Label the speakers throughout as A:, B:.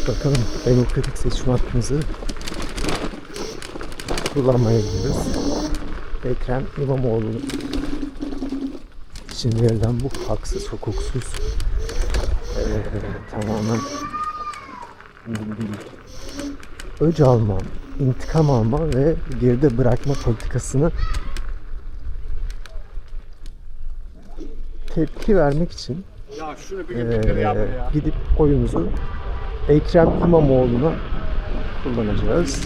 A: Bakalım demokratik seçim hakkımızı kullanmaya gidiyoruz. Ekrem İmamoğlu için verilen bu haksız, hukuksuz tamamen öc alma, intikam alma ve geride bırakma politikasını tepki vermek için gidip oyumuzu Ekrem İmamoğlu'na kullanacağız.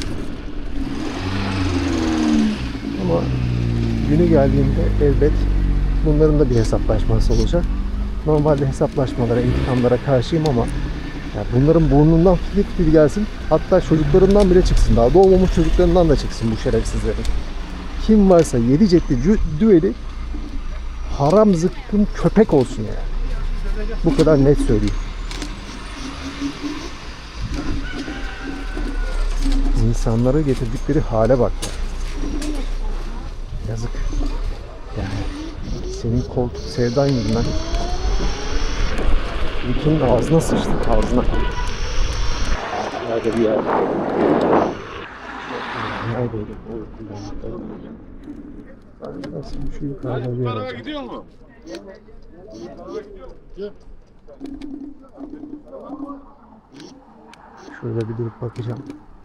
A: Ama günü geldiğinde elbet bunların da bir hesaplaşması olacak. Normalde hesaplaşmalara, intikamlara karşıyım ama ya bunların burnundan fil gelsin. Hatta çocuklarından bile çıksın. Daha doğmamış çocuklarından da çıksın bu şerefsizlerin. Kim varsa 7 cepli düeli haram zıkkım köpek olsun yani. Bu kadar net söyleyeyim. İnsanları getirdikleri hale bak ya. Yazık. Yani senin koltuk sevdan yüzünden ülkenin ağzına sıçtı, ağzına. Nerede bir yer? Neredeydi? Nasıl şu yukarıda bir yer?
B: Araba gidiyor mu?
A: Şöyle bir durup bakacağım.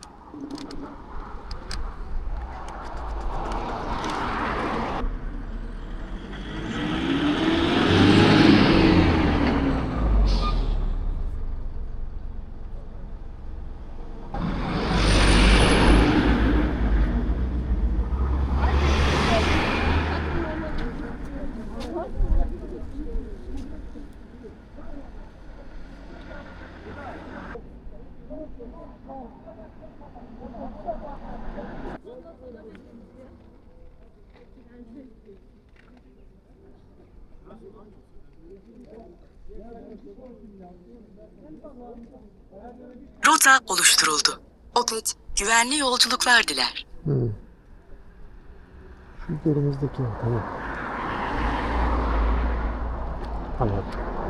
C: Rota oluşturuldu. Otet, güvenli yolculuklar diler.
A: Şu üzerimizdeki tamam. Anladım.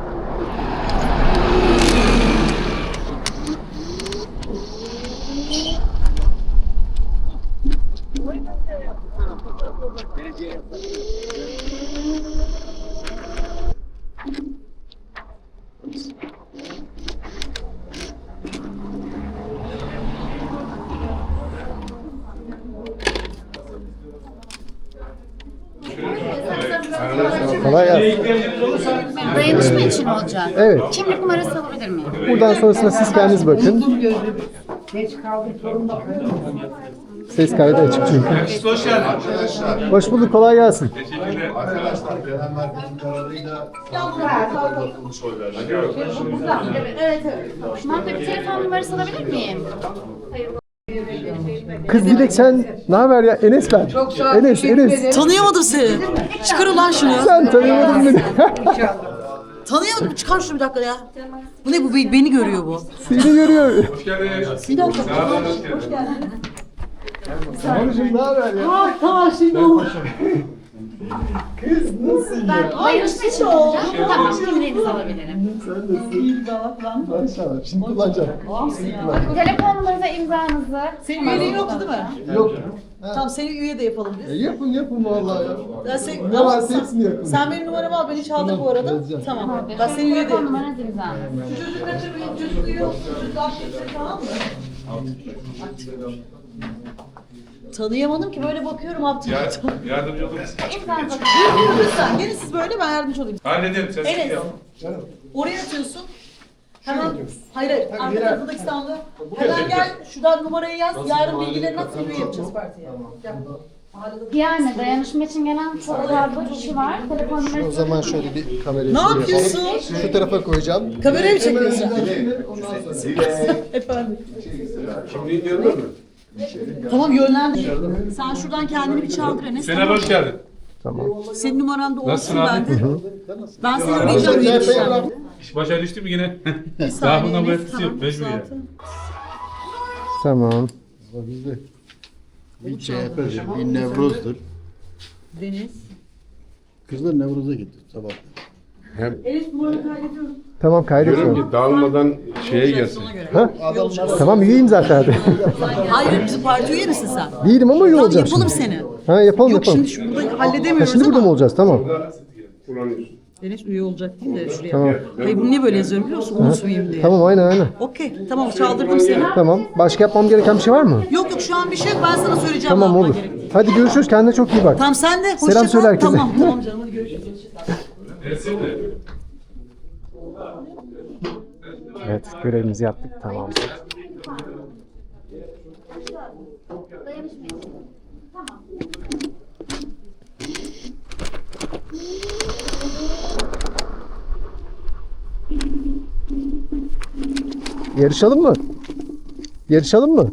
A: Kolay gelsin.
D: Dayanışma için olacak.
A: Evet.
D: Kimlik numarası alabilir miyim?
A: Buradan sonrasına siz kendiniz bakın. Ses kaydı açık çünkü.
B: Hoş geldin.
A: Hoş bulduk, kolay gelsin.
E: Arkadaşlar genel merkezin kararıyla uzatılmış oy verdi.
D: Evet. Şuman bir telefon numarası alabilir miyim?
A: Kız Dilek sen ne haber ya? Enes ben. Enes.
F: Tanıyamadım seni. Çıkar ulan şunu.
A: Sen tanımadın beni.
F: Tanıyamadım. Çıkar şunu bir dakika ya. Bu ne bu? Beni görüyor bu.
A: Seni görüyor.
F: Bir dakika.
A: Hanımcığım ne haber ya?
F: Tamam şimdi oldu.
A: Kız nasıl ya?
D: Dayanışma için olacak. Tamam, kimliğinizi alabilirim.
A: Sen nasılsın? Maşallah. Şimdi kullanacağım.
D: Telefon numaranıza imzanızı.
F: Senin üyeliğin yoktu değil mi?
A: Yok.
F: Tamam seni üye de yapalım biz.
A: Yapın vallahi ya.
F: Ne
A: varsa hepsini yapın.
F: Sen benim numaramı al. Ben hiç aldım bu arada.
A: Yazacağım.
F: Tamam. Ben seni üye de
D: Telefon
F: yapayım.
D: numaranız imzanız.
F: Çocuk kaçırmayın. Çocuk uyuyor. Çocuk akşamları tamam mı? Tanıyamadım ki böyle bakıyorum aptal.
B: Yardımcı olur musun?
D: İmzanızı
F: Lütfen gelin siz böyle ben yardımcı olayım.
B: Halledelim. Sen
F: Enes.
B: yap.
F: Oraya atıyorsun. Hemen hayır arka tarafındaki sandığı. Hemen gel şuradan numarayı yaz. Yarın bilgilerini at üye yapacağız partiye. Gel.
D: Yani dayanışma için gelen çok fazla kişi var. Telefon numarası.
A: O zaman şöyle bir kamerayı
F: Ne
A: şuraya
F: yapıyorsun?
A: alalım. Şu tarafa koyacağım.
F: Kamerayı mı çekiyorsun? Efendim.
B: Kimliğin yanında mı?
F: Tamam yönlendir. Sen şuradan kendini bir çaldır Enes.
B: Senem hoş geldin.
A: Tamam.
F: Senin numaran da
B: Nasılsın
F: olsun
B: abi?
F: bende. Ben seni arayacağım diye düşünüyorum.
B: İş başa düştü mü yine?
F: Bir saniye,
B: Daha bundan bu
F: Enes,
B: etkisi yok.
F: tamam,
B: Mecbur ya.
F: zaten.
A: Tamam.
E: Bizde bir CHP'dir, bir Nevruz'dur.
F: Deniz.
E: Kızlar Nevruz'a gitti sabah.
G: Hem
F: Elif numaranı kaydediyorum.
A: Tamam kaydediyorum.
G: diyorum ki dağılmadan şeye gelsin.
A: Ha? Tamam üyeyim zaten hadi.
F: Hayır bizim parti üye misin sen?
A: Değilim ama üye
F: Tamam
A: olacağım
F: yapalım
A: şimdi.
F: seni.
A: Ha yapalım
F: Yok
A: yapalım.
F: şimdi burada
A: Ha,
F: halledemiyoruz
A: şimdi burada mı
F: ama.
A: olacağız? Tamam.
G: Kullanıyorsun.
F: Deniz üye olacak değil de şuraya.
A: Tamam.
F: Hayır bunu niye böyle yazıyorum biliyor musun? Unutmayayım diye.
A: Tamam aynen.
F: Okey tamam çaldırdım seni.
A: Tamam. Başka yapmam gereken bir şey var mı?
F: Yok yok şu an bir şey yok ben sana söyleyeceğim.
A: Tamam
F: ne yapman
A: olur.
F: gerektiğini.
A: Hadi görüşürüz. Kendine çok iyi bak.
F: Tamam sen de hoşça
A: Selam
F: kal.
A: söyle herkese.
F: Tamam tamam canım hadi görüşürüz.
A: Evet görevimizi yaptık. Tamam. Yarışalım mı? Yarışalım mı?